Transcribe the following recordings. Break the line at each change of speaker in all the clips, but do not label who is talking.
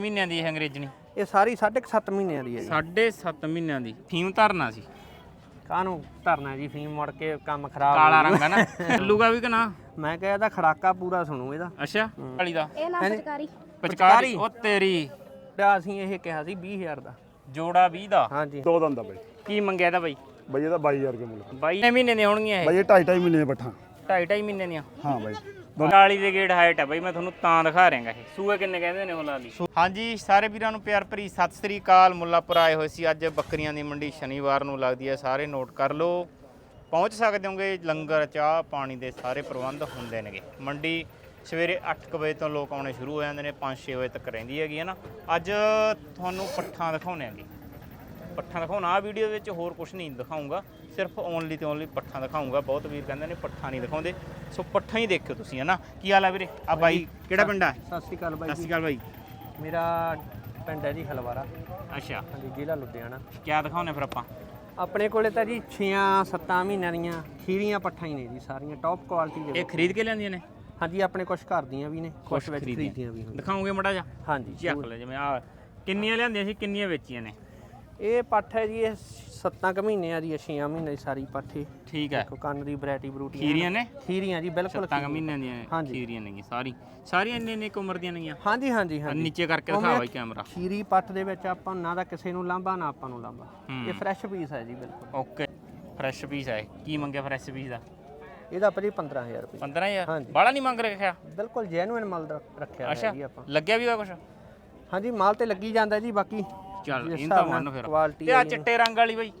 ਮਹੀਨਿਆਂ ਦੀ ਇਹ ਅੰਗਰੇਜ਼ਣੀ
ਇਹ ਸਾਰੀ 7.5 ਮਹੀਨਿਆਂ ਦੀ ਹੈ ਜੀ।
7.5 ਮਹੀਨਿਆਂ ਦੀ ਫੀਮ ਧਰਨਾ ਸੀ।
ਕਾਹਨੂੰ ਧਰਨਾ ਜੀ, ਫੀਮ ਮੁੜ ਕੇ ਕੰਮ ਖਰਾਬ
ਕਾਲਾ ਰੰਗ ਹੈ ਨਾ, ਚੱਲੂਗਾ ਵੀ ਕਿ ਨਾ?
ਮੈਂ ਕਿਹਾ ਇਹਦਾ ਖੜਾਕਾ ਪੂਰਾ ਸੁਣੂ ਇਹਦਾ।
ਅੱਛਾ ਵਾਲੀ ਦਾ
ਇਹ ਨਾ ਪਚਕਾਰੀ
ਪਚਕਾਰੀ ਉਹ ਤੇਰੀ
ਤਾਂ ਅਸੀਂ ਇਹ ਕਿਹਾ ਸੀ 20,000 ਦਾ
ਜੋੜਾ 20 ਦਾ।
ਹਾਂਜੀ
ਦੋ ਦੰਦ ਆ ਬਾਈ।
ਕੀ ਮੰਗਿਆ ਇਹਦਾ ਬਾਈ?
ਬਾਈ ਇਹਦਾ 22,000 ਰੁਪਏ ਮੁੱਲ।
22 ਮਹੀਨੇ ਦੀਆਂ ਹੋਣਗੀਆਂ ਇਹ।
ਬਾਈ ਇਹ 2.5 ਮਹੀਨੇ ਦੇ ਪੱਠਾ।
2.5 ਮਹੀਨੇ ਦੀਆਂ।
ਹਾਂ ਬਾਈ
40 ਦੇ ਗੇੜ ਹਾਈਟ ਹੈ ਬਾਈ, ਮੈਂ ਤੁਹਾਨੂੰ ਤਾਂ ਦਿਖਾ ਰਿਹਾਗਾ। ਇਹ ਸੂਏ ਕਿੰਨੇ ਕਹਿੰਦੇ ਨੇ ਉਹ ਲਾਲੀ? ਹਾਂਜੀ ਸਾਰੇ ਵੀਰਾਂ ਨੂੰ ਪਿਆਰ ਭਰੀ ਸਤਿ ਸ੍ਰੀ ਅਕਾਲ। ਮੁੱਲਾਂਪੁਰ ਆਏ ਹੋਏ ਸੀ ਅੱਜ। ਬੱਕਰੀਆਂ ਦੀ ਮੰਡੀ ਸ਼ਨੀਵਾਰ ਨੂੰ ਲੱਗਦੀ ਹੈ, ਸਾਰੇ ਨੋਟ ਕਰ ਲਓ। ਪਹੁੰਚ ਸਕਦੇ ਹੋਗੇ, ਲੰਗਰ ਚਾਹ ਪਾਣੀ ਦੇ ਸਾਰੇ ਪ੍ਰਬੰਧ ਹੁੰਦੇ ਨੇਗੇ। ਮੰਡੀ ਸਵੇਰੇ 8 ਵਜੇ ਤੋਂ ਲੋਕ ਆਉਣੇ ਸ਼ੁਰੂ ਹੋ ਜਾਂਦੇ ਨੇ, 5-6 ਵਜੇ ਤੱਕ ਰਹਿੰਦੀ ਹੈਗੀ ਹੈ ਨਾ। ਅੱਜ ਤੁਹਾਨੂੰ ਪੱਠਾਂ ਦਿਖਾਉਣੇ ਆਂਗੇ, ਪੱਠਾਂ ਦਿਖਾਉਣਾ ਆ ਵੀਡੀਓ ਵਿੱਚ, ਹੋਰ ਕੁਝ ਨਹੀਂ ਦਿਖਾਊਂਗਾ, ਸਿਰਫ ਓਨਲੀ ਤੇ ਓਨਲੀ ਪੱਠਾਂ ਦਿਖਾਊਂਗਾ। ਬਹੁਤ ਵੀਰ ਕਹਿੰਦੇ ਨੇ ਪੱਠਾਂ ਨਹੀਂ ਦਿਖਾਉਂਦੇ, ਸੋ ਪੱਠਾਂ ਹੀ ਦੇਖਿਓ ਤੁਸੀਂ, ਹੈ ਨਾ। ਕੀ ਹਾਲ ਹੈ ਵੀਰੇ? ਆ ਬਾਈ ਕਿਹੜਾ ਪਿੰਡ ਆ?
ਸਤਿ ਸ਼੍ਰੀ ਅਕਾਲ ਬਾਈ
ਸਤਿ ਸ਼੍ਰੀ ਅਕਾਲ ਬਾਈ।
ਮੇਰਾ ਪਿੰਡ ਹੈ ਜੀ ਹਲਵਾਰਾ।
ਅੱਛਾ
ਹਾਂਜੀ ਜ਼ਿਲ੍ਹਾ ਲੁਧਿਆਣਾ।
ਕਿਆ ਦਿਖਾਉਣੇ ਫਿਰ ਆਪਾਂ?
ਆਪਣੇ ਕੋਲੇ ਤਾਂ ਜੀ 6-7 ਮਹੀਨਿਆਂ ਦੀਆਂ ਖੀਰੀਆਂ ਪੱਠਾਂ ਹੀ ਨੇ ਜੀ, ਸਾਰੀਆਂ ਟੌਪ ਕੁਆਲਿਟੀ ਦੇ।
ਇਹ ਖਰੀਦ ਕੇ ਲਿਆਂਦੀਆਂ ਨੇ?
ਹਾਂਜੀ ਆਪਣੇ ਕੁਝ ਘਰ ਦੀਆਂ ਵੀ ਨੇ, ਕੁਝ ਵਿੱਚ ਖਰੀਦੀਆਂ ਵੀ ਹਨ।
ਦਿਖਾਉਂਗੇ ਮੜਾ ਜਾ?
ਹਾਂਜੀ
ਚੱਕ ਲੈ। ਜਿਵੇਂ ਆ ਕਿੰਨੀਆਂ ਲਿਆਂਦੀਆਂ ਸੀ, ਕਿੰਨੀਆਂ ਵੇਚੀਆਂ ਨੇ?
ਇਹ ਪੱਠ ਹੈ ਜੀ, ਇਹ 7 ਮਹੀਨਿਆਂ ਦੀ ਹੈ, 6 ਮਹੀਨੇ ਦੀ ਸਾਰੀ ਪੱਠ ਹੈ।
ਠੀਕ ਹੈ।
ਦੇਖੋ ਕੰਨ ਦੀ ਵੈਰਾਈਟੀ ਬਰੂਟੀ
ਖੀਰੀਆਂ ਨੇ?
ਖੀਰੀਆਂ ਜੀ ਬਿਲਕੁਲ
7 ਮਹੀਨਿਆਂ ਦੀਆਂ
ਹਾਂਜੀ।
ਖੀਰੀਆਂ ਨੇਗੀਆਂ ਸਾਰੀਆਂ ਇੰਨੇ ਇੱਕ ਉਮਰ ਦੀਆਂ ਨੇਗੀਆਂ।
ਹਾਂਜੀ ਹਾਂਜੀ ਹਾਂਜੀ।
ਨੀਚੇ ਕਰਕੇ ਦਿਖਾ ਬਾਈ ਕੈਮਰਾ।
ਖੀਰੀ ਪੱਠ ਦੇ ਵਿੱਚ ਆਪਾਂ ਨਾ ਦਾ ਕਿਸੇ ਨੂੰ ਲਾਂਭਾ ਨਾ ਆਪਾਂ ਨੂੰ ਲਾਂਭਾ। ਇਹ ਫਰੈਸ਼ ਪੀਸ ਹੈ ਜੀ ਬਿਲਕੁਲ।
ਓਕੇ ਫਰੈਸ਼ ਪੀਸ ਹੈ। ਕੀ ਮੰਗਿਆ ਫਰੈਸ਼ ਪੀਸ ਦਾ?
ਇਹਦਾ ਭਾਜੀ 15,000 ਰੁਪਏ।
15,000?
ਹਾਂਜੀ।
ਬਾਹਲਾ ਨਹੀਂ ਮੰਗ ਰੱਖਿਆ?
ਬਿਲਕੁਲ ਜੈਨੂਇਨ ਮਾਲ ਦਾ ਰੱਖਿਆ ਹੈ ਜੀ ਆਪਾਂ।
ਲੱਗਿਆ ਵੀ ਹੋਇਆ ਕੁਛ?
ਹਾਂਜੀ ਮਾਲ ਤੇ ਲੱਗੀ ਜਾਂਦਾ ਜੀ, ਬਾਕੀ
ਚੱਲ
ਜਿਸ
ਇਹ ਤਾਂ
ਹਿਸਾਬ ਨਾਲ
ਮੰਨ ਫਿਰ।
ਕੁਆਲਿਟੀ
ਤੇ ਆ ਚਿੱਟੇ ਰੰਗ ਵਾਲੀ ਬਾਈ,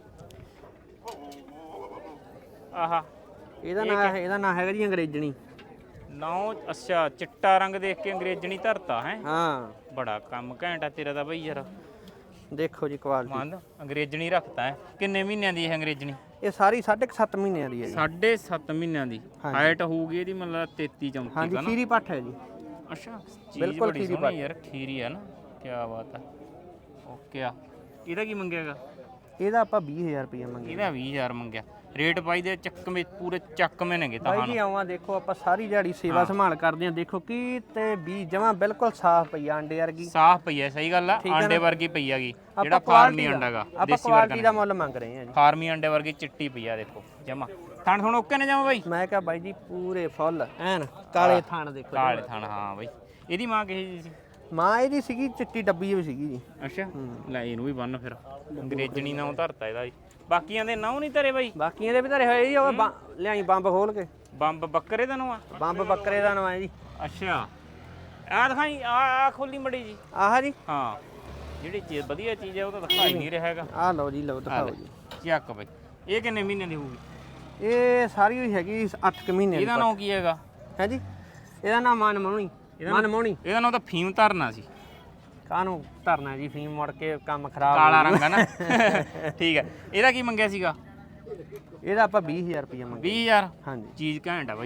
ਆਹਾ
ਇਹਦਾ ਨਾਂ ਹੈਗਾ ਜੀ ਅੰਗਰੇਜ਼ਣੀ।
ਨਾਉ ਅੱਛਾ, ਚਿੱਟਾ ਰੰਗ ਦੇਖ ਕੇ ਅੰਗਰੇਜ਼ਣੀ ਧਰਤਾ ਹੈ।
ਹਾਂ
ਬੜਾ ਕੰਮ ਘੈਂਟ ਆ ਤੇਰਾ ਤਾਂ ਬਈ ਯਾਰ।
ਦੇਖੋ ਜੀ ਕੁਆਲਿਟੀ।
ਮੰਨ ਅੰਗਰੇਜ਼ਣੀ ਰੱਖਤਾ ਹੈ। ਕਿੰਨੇ ਮਹੀਨਿਆਂ ਦੀ ਇਹ ਅੰਗਰੇਜ਼ਣੀ?
ਇਹ ਸਾਰੀ 7.5 ਮਹੀਨਿਆਂ ਦੀ ਹੈ ਜੀ।
7.5 ਮਹੀਨਿਆਂ ਦੀ ਹਾਈਟ ਹੋਊਗੀ ਇਹਦੀ, ਮਤਲਬ 33-34
ਹਾਂਜੀ
ਦਾ ਨਾ?
ਖੀਰੀ ਪੱਠ ਹੈ ਜੀ।
ਅੱਛਾ ਚੀਜ਼
ਬਿਲਕੁਲ
ਬੜੀ
ਖੀਰੀ
ਸੋਹਣੀ ਯਾਰ, ਖੀਰੀ ਹੈ ਨਾ। ਕੀ ਬਾਤ ਹੈ। ਓਕੇ ਆ। ਇਹਦਾ ਕੀ ਮੰਗਿਆਗਾ?
ਇਹਦਾ ਆਪਾਂ 20,000 ਰੁਪਏ ਮੰਗੇ।
ਇਹਦਾ 20,000 ਮੰਗਿਆ। ਰੇਟ ਪਾਈ ਦੇ ਚੱਕਵੇਂ, ਪੂਰੇ ਚੱਕਵੇਂ ਨੇਗੇ ਤਾਂ।
ਬਾਈ ਜੀ ਆਵਾਂ ਦੇਖੋ, ਆਪਾਂ ਸਾਰੀ ਦਿਹਾੜੀ ਸੇਵਾ ਸੰਭਾਲ ਕਰਦੇ ਆਂ। ਦੇਖੋ ਕੀ ਤੇ ਵੀ ਜਮਾਂ ਬਿਲਕੁਲ ਸਾਫ਼ ਪਈ ਆ, ਅੰਡੇ ਵਰਗੀ
ਸਾਫ਼ ਪਈ ਹੈ। ਸਹੀ ਗੱਲ ਆ, ਆਂਡੇ ਵਰਗੀ ਪਈ ਹੈਗੀ। ਜਿਹੜਾ
ਆਪਾਂ
ਫਾਰਮੀ ਅੰਡਾਗਾ
ਆਪਾਂ ਕੁਆਲਿਟੀ ਦਾ ਮੁੱਲ ਮੰਗ ਰਹੇ ਆਂ ਜੀ।
ਫਾਰਮੀ ਅੰਡੇ ਵਰਗੀ ਚਿੱਟੀ ਪਈ ਆ, ਦੇਖੋ ਜਮਾ। ਥਣ ਹੁਣ ਓਕੇ ਨੇ ਜਮਾ ਬਾਈ?
ਮੈਂ ਕਿਹਾ ਬਾਈ ਜੀ ਪੂਰੇ ਫੁੱਲ ਐਨ ਕਾਲੇ ਥਣ ਦੇਖੋ।
ਕਾਲੇ ਥਣ, ਹਾਂ ਬਾਈ। ਇਹਦੀ ਮਾਂ ਕਿਹੀ ਜੀ ਸੀ?
ਮਾਂ ਇਹਦੀ ਸੀਗੀ ਚਿੱਟੀ ਡੱਬੀ ਵੀ ਸੀਗੀ ਜੀ।
ਅੱਛਾ ਲੈ ਇਹਨੂੰ ਵੀ ਬੰਨ ਫਿਰ। ਅੰਗਰੇਜ਼ਣੀ ਨਾਮ ਧਰਤਾ ਇਹਦਾ ਜੀ। ਬਾਕੀਆਂ ਦੇ ਨਾਮ ਨਹੀਂ ਧਰੇ ਬਾਈ?
ਬਾਕੀਆਂ ਦੇ ਵੀ ਧਰੇ ਹੋਏ ਜੀ। ਉਹ ਲਿਆਈ ਬੰਬ ਖੋਲ ਕੇ।
ਬੰਬ ਬੱਕਰੇ ਦਾ ਨਾਮ ਆ?
ਬੰਬ ਬੱਕਰੇ ਦਾ ਨਾਮ ਹੈ ਜੀ।
ਅੱਛਾ ਆ ਦਿਖਾਈ, ਆ ਖੋਲੀ ਮੜੀ ਜੀ।
ਆਹ ਜੀ
ਹਾਂ ਜਿਹੜੀ ਚੀਜ਼ ਵਧੀਆ ਚੀਜ਼ ਹੈ ਉਹ ਤਾਂ ਦਿਖਾਈ ਨਹੀਂ ਰਿਹਾ ਹੈਗਾ।
ਆਹ ਲਓ ਜੀ, ਲਓ ਦਿਖਾਓ ਜੀ।
ਚੱਕ ਬਾਈ। ਇਹ ਕਿੰਨੇ ਮਹੀਨੇ ਦੀ ਹੋਊਗੀ?
ਇਹ ਸਾਰੀ ਹੋਈ ਹੈਗੀ 8 ਮਹੀਨੇ ਦੀ।
ਇਹਦਾ ਨਾਮ ਕੀ ਹੈਗਾ?
ਹੈ ਜੀ ਇਹਦਾ ਨਾਮ ਮਨਮੋਹਣੀ। ਮਨਮੋਹਣੀ
ਇਹਦਾ ਨਾਮ ਤਾਂ ਫੀਮ ਧਰਨਾ ਸੀ।
ਕਾਹਨੂੰ ਧਰਨਾ ਜੀ, ਫੀਮ ਮੁੜ ਕੇ ਕੰਮ ਖਰਾਬ।
ਕਾਲਾ ਰੰਗ ਹੈ ਨਾ। ਠੀਕ ਹੈ। ਇਹਦਾ ਕੀ ਮੰਗਿਆ ਸੀਗਾ?
ਇਹਦਾ ਆਪਾਂ 20,000 ਰੁਪਏ ਮੰਗੇ।
20,000?
ਹਾਂਜੀ
ਚੀਜ਼ ਘੈਂਟ ਆ ਬਾਈ।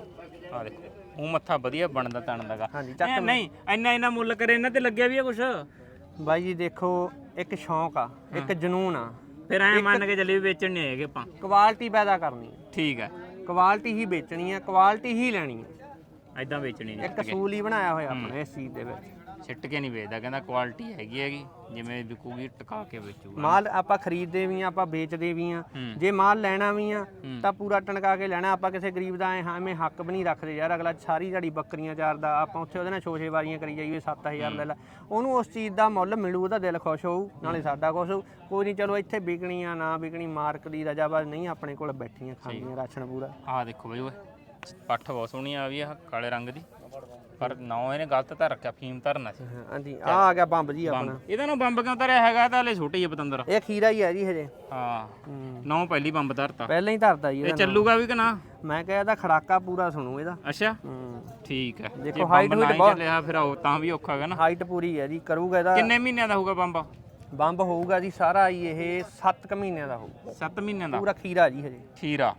ਆ ਦੇਖੋ ਉਹ ਮੱਥਾ ਵਧੀਆ ਬਣਦਾ ਤਣਦਾਗਾ।
ਹਾਂਜੀ
ਨਹੀਂ ਇੰਨਾ ਮੁੱਲ ਕਰੇ ਇਹਨਾਂ ਤੇ ਲੱਗਿਆ ਵੀ ਆ ਕੁਛ?
ਬਾਈ ਜੀ ਦੇਖੋ, ਇੱਕ ਸ਼ੌਂਕ ਆ, ਇੱਕ ਜਨੂਨ ਆ।
ਫਿਰ ਐ ਮੰਨ ਕੇ ਚੱਲੇ ਵੀ ਵੇਚਣ ਨਹੀਂ ਆਏਗੇ ਆਪਾਂ।
ਕੁਆਲਿਟੀ ਪੈਦਾ ਕਰਨੀ ਹੈ।
ਠੀਕ ਹੈ।
ਕੁਆਲਿਟੀ ਹੀ ਵੇਚਣੀ ਹੈ, ਕੁਆਲਿਟੀ ਹੀ ਲੈਣੀ ਹੈ।
ਐਦਾਂ ਵੇਚਣੀ ਨਹੀਂ।
ਇੱਕ ਅਸੂਲ ਹੀ ਬਣਾਇਆ ਹੋਇਆ ਆਪਣੇ ਇਸ ਚੀਜ਼ ਦੇ ਵਿੱਚ।
ਸਿੱਟ ਕੇ ਨਹੀਂ ਵੇਚਦਾ, ਕਹਿੰਦਾ ਕੁਆਲਿਟੀ ਹੈਗੀ ਜਿਵੇਂ ਵਿਕੂਗੀ ਟਿਕਾ ਕੇ ਵੇਚੂਗਾ।
ਮਾਲ ਆਪਾਂ ਖਰੀਦਦੇ ਵੀ ਆ, ਆਪਾਂ ਵੇਚਦੇ ਵੀ ਆ। ਜੇ ਮਾਲ ਲੈਣਾ ਵੀ ਆ ਤਾਂ ਪੂਰਾ ਟਣਕਾ ਕੇ ਲੈਣਾ। ਆਪਾਂ ਕਿਸੇ ਗਰੀਬ ਦਾ ਐਵੇਂ ਹੱਕ ਵੀ ਨਹੀਂ ਰੱਖਦੇ ਯਾਰ। ਅਗਲਾ ਸਾਰੀ ਦਿਹਾੜੀ ਬੱਕਰੀਆਂ ਚਾਰਦਾ, ਆਪਾਂ ਉੱਥੇ ਉਹਦੇ ਨਾਲ ਛੋਛੇ ਵਾਰੀਆਂ ਕਰੀ ਜਾਈਏ, 7,000 ਲੈ ਲਾ। ਉਹਨੂੰ ਉਸ ਚੀਜ਼ ਦਾ ਮੁੱਲ ਮਿਲੂ, ਉਹਦਾ ਦਿਲ ਖੁਸ਼ ਹੋਊ, ਨਾਲੇ ਸਾਡਾ ਖੁਸ਼ ਹੋਊ। ਕੋਈ ਨਹੀਂ ਚਲੋ ਇੱਥੇ ਵਿਕਣੀ ਆ ਨਾ ਵਿਕਣੀ, ਮਾਰਕ ਦੀ ਰਜਾਬਾਜ਼ ਨਹੀਂ ਆਪਣੇ ਕੋਲ ਬੈਠੀਆਂ ਖਾਂਦੀਆਂ ਰਾਸ਼ਨ ਪੂਰਾ।
ਆਹ ਦੇਖੋ ਬਈ, ਓਏ ਪੱਠ ਬਹੁਤ ਸੋਹਣੀ ਆ ਵੀ, ਆ ਕਾਲੇ ਰੰਗ ਦੀ। ਪਰ ਨਾ ਇਹਨੇ ਗਲਤ ਤਾਂ ਰੱਖਿਆ, ਫੀਮ ਧਰਨਾ ਸੀ।
ਹਾਂਜੀ ਆ ਗਿਆ ਬੰਬ ਜੀ ਆਪਣਾ।
ਇਹਦਾ ਨਾ ਬੰਬ ਕਿਉਂ ਧਰਿਆ ਹੈਗਾ? ਤਾਂ ਹਲੇ ਛੋਟੀ ਹੈ ਪਤੰਦਰ।
ਇਹ ਖੀਰਾ ਹੀ ਹੈ ਜੀ ਹਜੇ।
ਹਾਂ ਨੌ ਪਹਿਲੀ ਬੰਬ ਧਰਤਾ।
ਪਹਿਲਾਂ ਹੀ ਧਰਦਾ ਜੀ
ਇਹ ਚੱਲੂਗਾ ਵੀ ਕਿ ਨਾ?
ਮੈਂ ਕਿਹਾ ਇਹਦਾ ਖੜਾਕਾ ਪੂਰਾ ਸੁਣੂ ਇਹਦਾ।
ਅੱਛਾ ਠੀਕ ਹੈ।
ਦੇਖੋ ਹਾਈਟ ਵੀ
ਬਹੁਤ ਚੱਲਿਆ ਫਿਰ ਉਹ ਤਾਂ ਵੀ ਔਖਾ ਹੈਗਾ ਨਾ।
ਹਾਈਟ ਪੂਰੀ ਹੈ ਜੀ, ਕਰੂਗਾ ਇਹਦਾ।
ਕਿੰਨੇ ਮਹੀਨਿਆਂ ਦਾ ਹੋਊਗਾ ਬੰਬ?
ਬੰਬ ਹੋਊਗਾ ਜੀ ਸਾਰਾ ਹੀ ਇਹ 7 ਮਹੀਨਿਆਂ ਦਾ ਹੋਊਗਾ।
7 ਮਹੀਨਿਆਂ ਦਾ
ਪੂਰਾ ਖੀਰਾ ਜੀ ਹਜੇ।
ਖੀਰਾ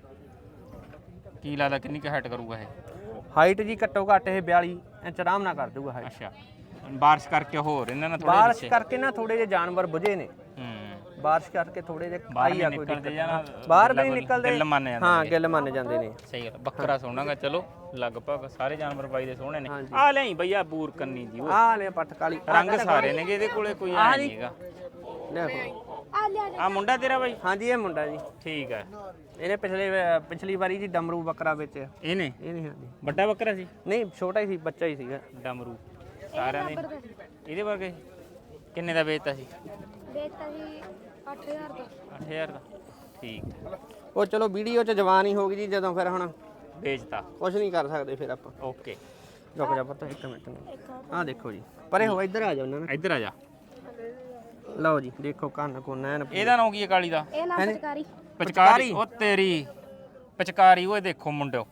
ਕੀ ਲੱਗਦਾ ਕਿੰਨੀ ਕੁ ਹਾਈਟ ਕਰੂਗਾ ਇਹ?
ਹਾਈਟ ਜੀ ਘੱਟੋ ਘੱਟ ਇਹ 42 ਇੰਚ ਆਰਾਮ ਨਾਲ ਕਰ ਦੂਗਾ ਹਾਈਟ।
ਅੱਛਾ ਬਾਰਿਸ਼ ਕਰਕੇ ਹੋਰ ਇਹਨਾਂ ਨਾਲ ਥੋੜੇ
ਬਾਰਿਸ਼ ਕਰਕੇ ਨਾ ਥੋੜੇ ਜਿਹੇ ਜਾਨਵਰ ਬੁਝੇ ਨੇ। ਬਾਰਿਸ਼ ਕਰਕੇ ਥੋੜੇ ਜਿਹੇ ਆਈ ਆ ਕੋਈ
ਨਿਕਲਦੇ ਜਾਂ
ਬਾਹਰ ਵੀ ਨਹੀਂ ਨਿਕਲਦੇ।
ਗਿੱਲ ਮੰਨ ਜਾਂਦੇ।
ਹਾਂ ਗਿੱਲ ਮੰਨ ਜਾਂਦੇ ਨੇ।
ਸਹੀ ਗੱਲ। ਬੱਕਰਾ ਸੋਹਣਾਗਾ। ਚਲੋ ਲਗਭਗ ਸਾਰੇ ਜਾਨਵਰ ਬਾਈ ਦੇ ਸੋਹਣੇ ਨੇ
ਹਾਂਜੀ।
ਆ ਲਈ ਬਈ ਆ ਬੂਰ ਕੰਨੀ ਜੀ ਉਹ
ਆ ਲੈ ਪੱਠ ਕਾਲੀ
ਰੰਗ ਸਾਰੇ ਨੇਗੇ ਇਹਦੇ ਕੋਲੇ ਕੋਈ ਆ ਨਹੀਂ ਹੈਗਾ
ਦੇਖੋ
ਆ ਮੁੰਡਾ ਤੇਰਾ ਬਾਈ
ਹਾਂਜੀ ਇਹ ਮੁੰਡਾ ਜੀ
ਠੀਕ ਹੈ
ਇਹਨੇ ਪਿਛਲੀ ਵਾਰੀ ਜੀ ਡਮਰੂ ਬੱਕਰਾ ਵੇਚਿਆ
ਇਹਨੇ
ਇਹ ਨਹੀਂ ਹਾਂਜੀ
ਵੱਡਾ ਬੱਕਰਾ ਸੀ
ਨਹੀਂ ਛੋਟਾ ਹੀ ਸੀ ਬੱਚਾ ਹੀ ਸੀਗਾ
ਡਮਰੂ ਸਾਰਿਆਂ ਦੇ ਇਹਦੇ ਵਰਗੇ ਕਿੰਨੇ ਦਾ ਵੇਚਤਾ ਸੀ
ਵੇਚਤਾ ਸੀ 8000 ਦਾ
8000 ਦਾ ਠੀਕ ਹੈ
ਉਹ ਚਲੋ ਵੀਡੀਓ 'ਚ ਜਵਾਨ ਹੀ ਹੋ ਗਈ ਜੀ ਜਦੋਂ ਫਿਰ ਹੁਣ
ਵੇਚਤਾ
ਕੁਝ ਨਹੀਂ ਕਰ ਸਕਦੇ ਫਿਰ ਆਪਾਂ
ਓਕੇ
ਰੁਕ ਜਾ ਪੁੱਤ ਇੱਕ ਮਿੰਟ ਆਹ ਦੇਖੋ ਜੀ ਪਰੇ ਹੋ ਇੱਧਰ ਆ ਜਾਓ ਉਹਨਾਂ ਨੇ
ਇੱਧਰ ਆ ਜਾ
ਲਓ ਜੀ ਦੇਖੋ ਕੰਨ ਕੋ ਨੈਣ
ਇਹਦਾ ਨਾਂ ਕੀ ਹੈ ਕਾਲੀ ਦਾ
ਇਹ ਨਾਮ ਸਰਕਾਰੀ
ਪਚਕਾਰੀ ਉਹ ਤੇਰੀ ਪਚਕਾਰੀ ਉਹ ਦੇਖੋ ਮੁੰਡਿਓ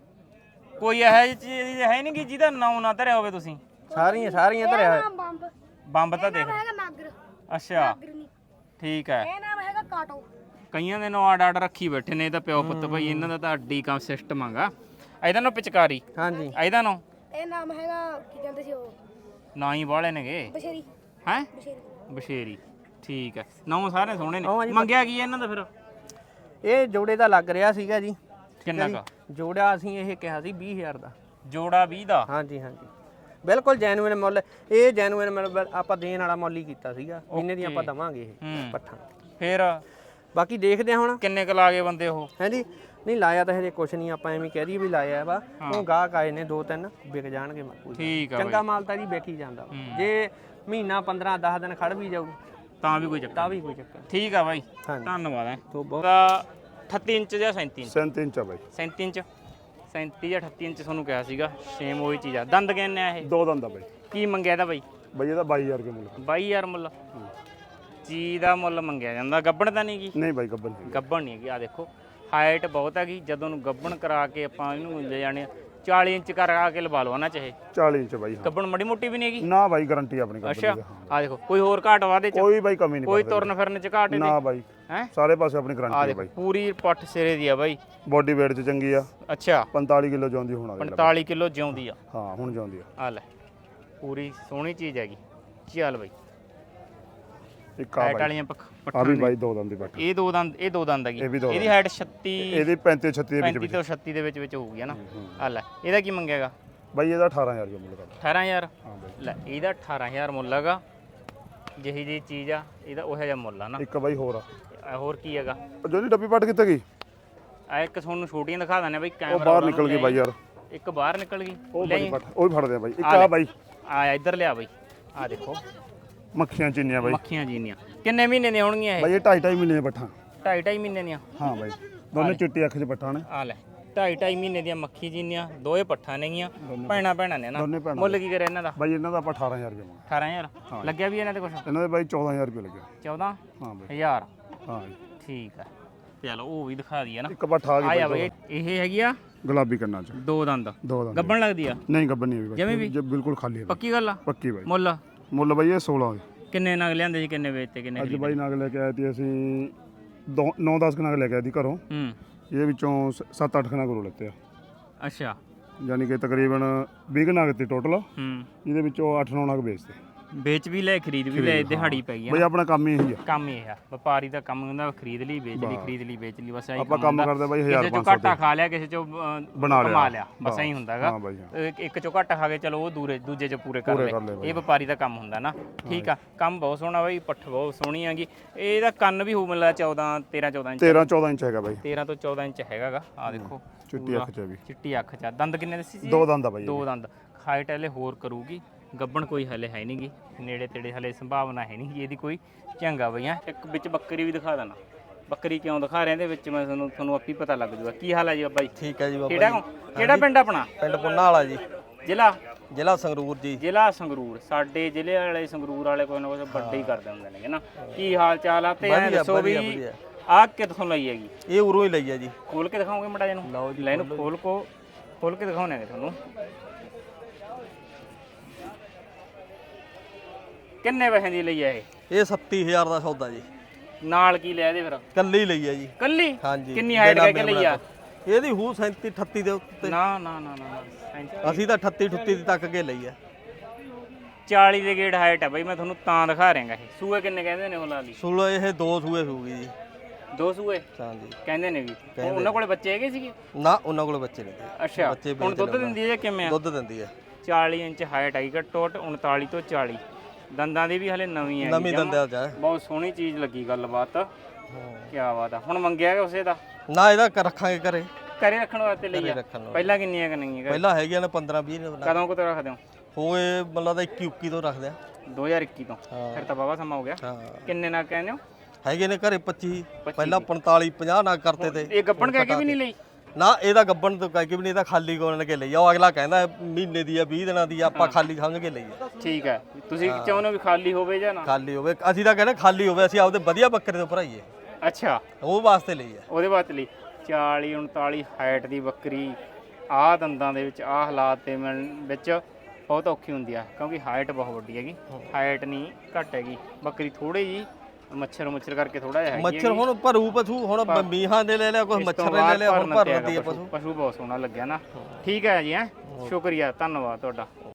ਕੋਈ ਇਹੋ ਜਿਹੀ ਚੀਜ਼ ਹੈ ਨਹੀਂ ਕਿ ਜਿਹਦਾ ਨਾਂ ਨਾ ਧਰਿਆ ਹੋਵੇ ਤੁਸੀਂ
ਸਾਰੀਆਂ ਧਰਿਆ ਹੋਇਆ
ਨਾਮ ਬੰਬ
ਬੰਬ ਤਾਂ ਦੇਖ
ਹੈਗਾ ਨਾਗਰ
ਅੱਛਾ
ਨਾਗਰ ਨਹੀਂ
ਠੀਕ ਹੈ
ਇਹ ਨਾਮ ਹੈਗਾ ਕਾਟੋ
ਕਈਆਂ ਦੇ ਨਾਂ ਆਡ ਰੱਖੀ ਬੈਠੇ ਨੇ ਇਹਦਾ ਪਿਓ ਪੁੱਤ ਭਾਈ ਇਹਨਾਂ ਦਾ ਤਾਂ ਅੱਡੀ ਕੰਮ ਸਿਸਟਮ ਆਗਾ ਇਹਦਾ ਨਾਂ ਪਚਕਾਰੀ
ਹਾਂਜੀ
ਇਹਦਾ ਨਾਂ
ਇਹ ਨਾਮ ਹੈਗਾ ਕੀ ਕਹਿੰਦੇ ਸੀ ਉਹ
ਨਾਂ ਹੀ ਵਾਲੇ ਨੇਗੇ
ਬਸ਼ੇਰੀ
ਹੈ
ਬਸ਼ੇਰੀ
ਬਸ਼ੇਰੀ ਠੀਕ ਹੈ ਨਾਂ ਸਾਰੇ ਸੋਹਣੇ
ਉਹ
ਨੇ
ਜੀ
ਮੰਗਿਆ ਕੀ ਇਹਨਾਂ ਦਾ ਫਿਰ
ਇਹ ਜੋੜੇ ਦਾ ਲੱਗ ਰਿਹਾ ਸੀਗਾ ਜੀ
ਕਿੰਨਾ ਕਾ
ਜੋੜਾ ਅਸੀਂ ਇਹ ਕਿਹਾ ਸੀ 20000 ਦਾ
ਜੋੜਾ 20 ਦਾ
ਹਾਂਜੀ ਹਾਂਜੀ ਬਿਲਕੁਲ ਜੈਨੂਇਨ ਮੁੱਲ ਇਹ ਜੈਨੂਇਨ ਮੁੱਲ ਆਪਾਂ ਦੇਣ ਵਾਲਾ ਮੁੱਲ ਹੀ ਕੀਤਾ ਸੀਗਾ ਇੰਨੇ ਦੀ ਆਪਾਂ ਦਵਾਂਗੇ ਇਹ ਪੱਠਾ
ਫਿਰ
ਬਾਕੀ ਦੇਖਦੇ ਆ ਹੁਣ
ਕਿੰਨੇ ਕੁ ਲਾ ਗਏ ਬੰਦੇ ਉਹ
ਹਾਂਜੀ ਨਹੀਂ ਲਾਇਆ ਤਾਂ ਹਜੇ ਕੁਛ ਨਹੀਂ ਆਪਾਂ ਐਵੇਂ ਕਹਿ ਦਈਏ ਵੀ ਲਾਇਆ ਵਾ ਉਹ ਗਾਹਕ ਆਏ ਨੇ 2-3 ਵਿਕ ਜਾਣਗੇ ਕੋਈ
ਠੀਕ ਆ
ਚੰਗਾ ਮਾਲ ਤਾਂ ਜੀ ਵਿਕ ਹੀ ਜਾਂਦਾ ਜੇ ਮਹੀਨਾ 15-10 ਦਿਨ ਖੜ ਵੀ ਜਾਊ
ਤਾਂ ਵੀ ਕੋਈ ਚੱਕਰ
ਤਾਂ ਵੀ ਕੋਈ ਚੱਕਰ ਨਹੀਂ।
ਠੀਕ ਆ ਬਾਈ
ਹਾਂਜੀ
ਧੰਨਵਾਦ ਹੈ
ਤੋਂ ਬਹੁਤ
ਤਾਂ 38 ਇੰਚ ਜਾਂ 37 ਇੰਚ
37 ਇੰਚ ਆ ਬਾਈ
37 ਇੰਚ 37 ਜਾਂ 38 ਇੰਚ ਤੁਹਾਨੂੰ ਕਿਹਾ ਸੀਗਾ ਸੇਮ ਉਹੀ ਚੀਜ਼ ਆ ਦੰਦ ਕਿੰਨੇ ਆ ਇਹ
ਦੋ ਦੰਦ ਆ ਬਾਈ
ਕੀ ਮੰਗਿਆ ਇਹਦਾ ਬਾਈ
ਬਾਈ ਇਹਦਾ 22000 ਰੁਪਏ ਮੁੱਲ
22000 ਮੁੱਲ ਚੀਜ਼ ਦਾ ਮੁੱਲ ਮੰਗਿਆ ਜਾਂਦਾ ਗੱਬਣ ਤਾਂ ਨਹੀਂ ਗੀ
ਨਹੀਂ ਬਾਈ ਗੱਬਨ ਸੀ
ਗੱਬਣ ਨਹੀਂ ਹੈਗੀ ਆ ਦੇਖੋ ਹਾਈਟ ਬਹੁਤ ਹੈਗੀ ਜਦੋਂ ਨੂੰ ਗੱਬਣ ਕਰਾ ਕੇ ਆਪਾਂ ਇਹਨੂੰ ਲੈ ਜਾਣੇ 40 ਇੰਚ ਕਰਾ ਕੇ ਲਵਾ ਲਓ ਨਾ ਚਾਹੇ
40 ਇੰਚ ਬਾਈ ਹਾਂ
ਗੱਬਣ ਮੜੀ ਮੋਟੀ ਵੀ ਨਹੀਂ ਹੈਗੀ
ਨਾ ਬਾਈ ਗਾਰੰਟੀ ਆਪਣੀ ਗੱਬਨ
ਅੱਛਾ
ਦੀ ਹਾਂ।
ਆ ਦੇਖੋ ਕੋਈ ਹੋਰ ਘਾਟ ਵਾਦੇ ਚ
ਕੋਈ ਬਾਈ ਕਮੀ ਨਹੀਂ
ਕੋਈ
ਕਰਦੇ
ਤੁਰਨ ਫਿਰਨ ਚ ਘਾਟ
ਨਾ ਬਾਈ
ਹੈ
ਸਾਰੇ ਪਾਸੇ ਆਪਣੀ
ਆ
ਗਾਰੰਟੀ ਹੈ
ਦੇਖੋ
ਬਾਈ
ਪੂਰੀ ਪੱਠ ਸਿਰੇ ਦੀ ਆ ਬਾਈ
ਬੋਡੀ weight ਚ ਚੰਗੀ ਆ
ਅੱਛਾ
45 ਕਿਲੋ ਜਾਂਦੀ ਹੁਣ ਆ
45 ਕਿਲੋ ਜਿਉਂਦੀ ਆ
ਹਾਂ ਹੁਣ ਜਾਂਦੀ ਆ
ਆ ਲੈ ਪੂਰੀ ਸੋਹਣੀ ਚੀਜ਼ ਹੈਗੀ ਚੱਲ ਬਾਈ
ਇੱਕ ਆ
ਹਾਈਟ
ਬਾਈ
ਵਾਲੀਆਂ
ਆ
ਪੱਠਾਂ
ਵੀ ਬਾਈ ਦੋ ਦੰਦ ਦੀ ਬੱਟ
ਇਹ ਦੋ ਦੰਦ ਹੈਗੀ
ਇਹ ਵੀ ਦੋ
ਇਹਦੀ ਹਾਈਟ 36
ਇਹਦੀ 35 36 ਦੇ ਵਿੱਚ
35 ਤੋਂ 36 ਦੇ ਵਿੱਚ ਹੋਊਗੀ ਨਾ ਆ ਲੈ ਇਹਦਾ ਕੀ ਮੰਗੇਗਾ
ਬਾਈ ਇਹਦਾ 18000 ਰੁਪਏ ਮੁੱਲ ਕਰਦਾ
18000
ਹਾਂ ਬਾਈ
ਲੈ ਇਹਦਾ 18000 ਮੁੱਲ ਹੈਗਾ ਜਿਹੀ ਜੀ ਚੀਜ਼ ਆ ਇਹਦਾ ਉਹੋ ਜਿਹਾ ਮੁੱਲ ਆ ਨਾ
ਇੱਕ ਬਾਈ ਹੋਰ ਆ
ਹੋਰ ਕੀ ਹੈਗਾ
ਜੋਨੀ ਡੱਬੀ ਪੱਟ ਕਿੱਥੇ ਗਈ
ਆ ਇੱਕ ਤੁਹਾਨੂੰ ਛੋਟੀਆਂ ਦਿਖਾ ਦਿੰਦੇ ਬਈ
ਉਹ
ਕੈਮਰਾ
ਬਾਹਰ ਨਿਕਲ ਗਈ ਬਾਈ ਯਾਰ
ਇੱਕ ਬਾਹਰ ਨਿਕਲ ਗਈ
ਉਹ
ਲੈ
ਬਾਈ ਪੱਟ ਉਹ ਵੀ ਫੜਦੇ ਆ ਬਾਈ ਇੱਕ ਆ ਬਾਈ
ਆ ਇੱਧਰ ਲਿਆ ਬਈ ਆ ਦੇਖੋ
ਮੱਖੀਆਂ ਚੀਨੀਆਂ ਬਾਈ
ਮੱਖੀਆਂ ਜੀਨੀਆਂ ਕਿੰਨੇ ਮਹੀਨੇ ਦੀਆਂ ਹੋਣਗੀਆਂ ਇਹ
ਬਾਈ ਇਹ 2.5 ਮਹੀਨੇ ਦੇ ਪੱਠਾਂ
2.5 ਮਹੀਨੇ ਦੀਆਂ
ਹਾਂ ਬਾਈ ਦੋਨੇ ਚਿੱਟੀ ਅੱਖ 'ਚ ਪੱਠਾਂ ਨੇ
ਆ ਲੈ 2.5 ਮਹੀਨੇ ਦੀਆਂ ਮੱਖੀ ਜੀਨੀਆਂ ਦੋਏ ਪੱਠਾਂ ਨੇਗੀਆਂ ਭੈਣਾਂ ਨੇ ਨਾ
ਦੋਨੇ ਭੈਣਾਂ
ਮੁੱਲ ਕੀ ਕਰੇ ਇਹਨਾਂ ਦਾ
ਬਾਈ ਇਹਨਾਂ ਦਾ ਆਪਾਂ 18000 ਰੁਪਏ ਮੰਗਿਆ
18000 ਲੱਗਿਆ ਵੀ ਇਹਨਾਂ ਤੇ ਕੁਛ
ਇਹਨਾਂ ਦੇ ਬਾਈ 14000 ਰੁਪਏ ਲੱਗਿਆ
14
ਹਾਂ ਬਾਈ
1000
ਹਾਂ ਜੀ।
ਠੀਕ ਆ ਚਲੋ ਉਹ ਵੀ ਦਿਖਾ ਦਈਏ ਨਾ
ਇੱਕ ਪੱਠਾ ਆ ਗਈ
ਆਇਆ
ਬਾਈ
ਬਈ ਇਹ ਹੈਗੀ ਆ
ਗੁਲਾਬੀ ਕੰਨਾਂ 'ਚ
ਦੋ ਦੰਦ
ਦੋ ਦੰਦ
ਗੱਬਣ ਲੱਗਦੀ ਆ
ਨਹੀਂ ਗੱਬਨ ਨਹੀਂ ਹੋਈ
ਜਿਵੇਂ ਵੀ?
ਜੇ ਬਿਲਕੁਲ ਖਾਲੀ ਹੈ ਬਾਈ।
ਪੱਕੀ ਗੱਲ ਆ
ਪੱਕੀ ਬਾਈ
ਮੁੱਲ
ਮੁੱਲ ਬਾਈ ਇਹ 16 ਹੋਏ
ਕਿੰਨੇ ਨਗ ਲਿਆਂਦੇ ਸੀ ਕਿੰਨੇ ਵੇਚਤੇ ਕਿੰਨੇ
ਅੱਜ ਬਾਈ ਨਗ ਲੈ ਕੇ ਆਏ ਤੇ ਅਸੀਂ 9-10 ਨਗ ਲੈ ਕੇ ਆਏ ਦੀ ਘਰੋਂ
ਹੂੰ
ਇਹਦੇ ਵਿੱਚੋਂ 7-8 ਨਗ ਘਰੋਂ ਲੈਤੇ ਆ
ਅੱਛਾ
ਯਾਨੀ ਕਿ ਤਕਰੀਬਨ 20 ਨਗ ਤੇ ਟੋਟਲ
ਹੂੰ
ਇਹਦੇ ਵਿੱਚੋਂ 8-9 ਨਗ ਵੇਚਤੇ
ਵੇਚ ਵੀ ਲੈ ਖਰੀਦ ਵੀ ਲੈ ਦਿਹਾੜੀ ਪੈ ਗਈ ਆ
ਬਾਈ ਆਪਣਾ ਕੰਮ ਹੀ ਇਹੀ ਆ
ਕੰਮ ਇਹ ਆ ਵਪਾਰੀ ਦਾ ਕੰਮ ਹੁੰਦਾ ਖਰੀਦ ਲਈ ਵੇਚ ਲਈ ਖਰੀਦ ਲਈ ਵੇਚ ਲਈ ਬਸ ਐਂ
ਆਪਾਂ ਕੰਮ ਕਰਦੇ ਬਾਈ
ਕਿਸੇ
1500
ਚੋਂ ਘਾਟਾ ਖਾ ਲਿਆ ਕਿਸੇ ਚੋਂ
ਬਣਾ ਲਿਆ।
ਕਮਾ ਲਿਆ ਬਸ ਐਂ ਹੁੰਦਾਗਾ
ਹਾਂ ਬਾਈ ਹਾਂ
ਇੱਕ ਚੋਂ ਘਾਟਾ ਖਾ ਕੇ ਚਲੋ ਉਹ ਦੂਜੇ ਚ ਪੂਰੇ ਕਰ
ਪੂਰੇ
ਲਏ
ਕਰ ਲਏ ਬਾਈ।
ਇਹ ਵਪਾਰੀ ਦਾ ਕੰਮ ਹੁੰਦਾ ਨਾ ਠੀਕ ਆ ਕੰਮ ਬਹੁਤ ਸੋਹਣਾ ਬਾਈ ਪੱਠ ਬਹੁਤ ਸੋਹਣੀ ਹੈਗੀ ਇਹਦਾ ਕੰਨ ਵੀ ਹੋ ਮਿਲਦਾ 13-14 ਇੰਚ
13-14 ਇੰਚ ਹੈਗਾ ਬਾਈ
13 ਤੋਂ 14 ਇੰਚ ਹੈਗਾਗਾ ਆ ਦੇਖੋ
ਚਿੱਟੀ ਅੱਖ 'ਚ ਵੀ
ਚਿੱਟੀ ਅੱਖ ਚ ਆ। ਦੰਦ ਕਿੰਨੇ ਦੱਸੀ ਸੀ
ਦੋ ਦੰਦ ਆ ਬਾਈ
ਦੋ ਦੰਦ ਹਾਈਟ ਹਲੇ ਹੋਰ ਕਰੂਗੀ ਗੱਬਣ ਕੋਈ ਹਲੇ ਹੈ ਨਹੀਂਗੀ ਨੇੜੇ ਤੇੜੇ ਹਲੇ ਸੰਭਾਵਨਾ ਹੈ ਨਹੀਂ ਇਹਦੀ ਕੋਈ ਚੰਗਾ ਬਈਆਂ ਇੱਕ ਵਿੱਚ ਬੱਕਰੀ ਵੀ ਦਿਖਾ ਦੇਣਾ ਬੱਕਰੀ ਕਿਉਂ ਦਿਖਾ ਰਹੇ ਇਹਦੇ ਵਿੱਚ ਮੈਂ ਤੁਹਾਨੂੰ ਆਪੀ ਪਤਾ ਲੱਗ ਜੂਗਾ ਕੀ ਹਾਲ ਹੈ ਜੀ ਬਾਬਾ ਜੀ
ਠੀਕ ਹੈ ਜੀ ਬਾਬਾ
ਕਿਹੜਾ ਪਿੰਡ ਆਪਣਾ
ਪਿੰਡ ਪੁੰਨਾ ਵਾਲਾ ਜੀ
ਜ਼ਿਲ੍ਹਾ
ਸੰਗਰੂਰ ਜੀ
ਜ਼ਿਲ੍ਹਾ ਸੰਗਰੂਰ ਸਾਡੇ ਜ਼ਿਲ੍ਹੇ ਵਾਲੇ ਸੰਗਰੂਰ ਵਾਲੇ ਕੋਈ ਨਾ ਕੋਈ ਵੱਡੇ ਹੀ ਕਰਦੇ ਹੁੰਦੇ ਨੇ ਨਾ ਕੀ ਹਾਲ ਚਾਲ ਆ ਤੇ ਐਂ ਦੱਸੋ ਵੀ ਆਹ ਕਿੱਥੋਂ ਲਈ ਹੈਗੀ
ਇਹ ਉਰੋਂ ਹੀ ਲਈ ਆ ਜੀ
ਖੋਲ ਕੇ ਦਿਖਾਓਗੇ ਮੜਾ ਜੀ ਨੂੰ ਲੈ ਇਹਨੂੰ ਖੋਲ ਕੇ ਦਿਖਾਉਣੇ ਨੇ ਤੁਹਾਨੂੰ ਕਿੰਨੇ ਪੈਸੇ ਦੀ ਲਈ ਆ
ਇਹ 37000 ਦਾ ਸੌਦਾ ਜੀ
ਨਾਲ ਕੀ ਲਿਆ ਇਹਦੇ ਫਿਰ
ਕੱਲੀ ਲਈ ਆ ਜੀ
ਕੱਲੀ
ਹਾਂਜੀ
ਕਿੰਨੀ ਹਾਈਟ ਕਹਿ ਕੇ ਲਈ ਆ
ਇਹਦੀ ਹੂ 37 38 ਦੇ ਉੱਤੇ
ਨਾ
ਅਸੀਂ ਤਾਂ 38 38 ਤੱਕ ਕੇ ਲਈ ਆ
40 ਦੇ ਗੇੜ ਹਾਈਟ ਹੈ ਬਈ ਮੈਂ ਤੁਹਾਨੂੰ ਤਾਂ ਦਿਖਾ ਰਿਹਾਗਾ ਇਹ ਸੂਏ ਕਿੰਨੇ ਕਹਿੰਦੇ ਨੇ ਉਹ ਲਾਲੀ
ਸੂਲ ਇਹ ਦੋ ਸੂਏ ਸੂਗੀ ਜੀ
2 ਸੂਏ
ਹਾਂਜੀ
ਕਹਿੰਦੇ ਨੇ ਵੀ ਉਹਨਾਂ ਕੋਲੇ ਬੱਚੇ ਹੈਗੇ ਸੀਗੇ?
ਨਾ ਉਹਨਾਂ ਕੋਲ ਬੱਚੇ ਨਹੀਂ ਤੇ
ਅੱਛਾ
ਬੱਚੇ
ਹੁਣ ਦੁੱਧ ਦਿੰਦੀ ਹੈ ਜਾਂ ਕਿਵੇਂ ਆ?
ਦੁੱਧ ਦਿੰਦੀ ਹੈ
40 ਇੰਚ ਹਾਈਟ ਆਈ ਘੱਟੋ ਘੱਟ 39 ਤੋਂ 40 ਦੰਦਾਂ ਦੀ ਵੀ ਹਲੇ ਨਵੀਂ ਹੈ
ਨਵੀਂ ਦੰਦਿਆ ਜਾ
ਬਹੁਤ ਸੋਹਣੀ ਚੀਜ਼ ਲੱਗੀ ਗੱਲਬਾਤ ਕੀ ਬਾਤ ਆ ਹੁਣ ਮੰਗਿਆ ਉਸੇ ਦਾ
ਨਾ ਇਹਦਾ ਰੱਖਾਂਗੇ ਘਰੇ
ਘਰੇ ਰੱਖਣ ਵਾਸਤੇ ਲਈ ਆ
ਰੱਖਣ ਨੂੰ
ਪਹਿਲਾਂ ਕਿੰਨੀਆਂ ਕਰਨੀਆਂ
ਪਹਿਲਾਂ ਹੈਗੀਆਂ ਨੇ 15 20 ਨੇ
ਕਦੋਂ ਕੁ ਤੋਂ ਰੱਖਦੇ ਹੋ?
ਹੋਏ ਮਤਲਬ ਦਾ 21 21 ਤੋਂ ਰੱਖਦੇ ਆ
2021 ਤੋਂ ਫਿਰ ਤਾਂ ਬਾਬਾ ਸਮਾਂ ਹੋ ਗਿਆ
ਹਾਂ
ਕਿੰਨੇ ਨਾ ਕਹਿੰਦੇ ਹੋ?
ਹੈਗੇ ਨੇ ਘਰੇ 25 ਪਹਿਲਾਂ 45 50 ਨਾ ਕਰਤੇ ਤੇ
ਇਹ ਗੱਪਣ ਕਹਿ ਕੇ ਵੀ ਨਹੀਂ ਲਈ?
ਨਾ ਇਹਦਾ ਗੱਬਣ ਤੋਂ ਕਹਿ ਕੇ ਵੀ ਨਹੀਂ ਇਹਦਾ ਖਾਲੀ ਕੋਣ ਕੇ ਲਈ ਆ ਉਹ ਅਗਲਾ ਕਹਿੰਦਾ ਮਹੀਨੇ ਦੀ ਆ 20 ਦਿਨਾਂ ਦੀ ਆ ਆਪਾਂ ਖਾਲੀ ਖੰਘ ਕੇ ਲਈ ਆ
ਠੀਕ ਹੈ ਤੁਸੀਂ ਚਾਹੁੰਦੇ ਹੋ ਵੀ ਖਾਲੀ ਹੋਵੇ ਜਾਂ ਨਾ?
ਖਾਲੀ ਹੋਵੇ ਅਸੀਂ ਤਾਂ ਕਹਿੰਦੇ ਖਾਲੀ ਹੋਵੇ ਅਸੀਂ ਆਪਦੇ ਵਧੀਆ ਬੱਕਰੇ ਤੋਂ ਭਰਾਈਏ
ਅੱਛਾ
ਉਹ ਵਾਸਤੇ ਲਈ ਆ
ਉਹਦੇ ਬਾਅਦ ਲਈ 40 39 ਹਾਈਟ ਦੀ ਬੱਕਰੀ ਆਹ ਦੰਦਾਂ ਦੇ ਵਿੱਚ ਆਹ ਹਾਲਾਤ ਤੇ ਮਿਲਣ ਵਿੱਚ ਬਹੁਤ ਔਖੀ ਹੁੰਦੀ ਆ ਕਿਉਂਕਿ ਹਾਈਟ ਬਹੁਤ ਵੱਡੀ ਹੈਗੀ ਹਾਈਟ ਨਹੀਂ ਘੱਟ ਹੈਗੀ ਬੱਕਰੀ ਥੋੜੀ ਜੀ ਮੱਛਰ ਕਰਕੇ ਥੋੜਾ ਜਿਹਾ ਹੈਗੀ
ਮੱਛਰ ਹੁਣ ਭਰੂ ਪਸ਼ੂ ਹੁਣ ਮੀਹਾਂ ਦੇ ਲੈ ਲਿਆ ਕੁਝ ਮੱਛਰ ਨੇ ਲੈ ਲਿਆ ਹੁਣ ਭਰ ਦਿੰਦੀ ਆ ਪਸ਼ੂ
ਪਸ਼ੂ ਬਹੁਤ ਸੋਹਣਾ ਲੱਗਿਆ ਨਾ ਠੀਕ ਹੈ ਜੀ ਹੈ ਸ਼ੁਕਰੀਆ ਧੰਨਵਾਦ ਤੁਹਾਡਾ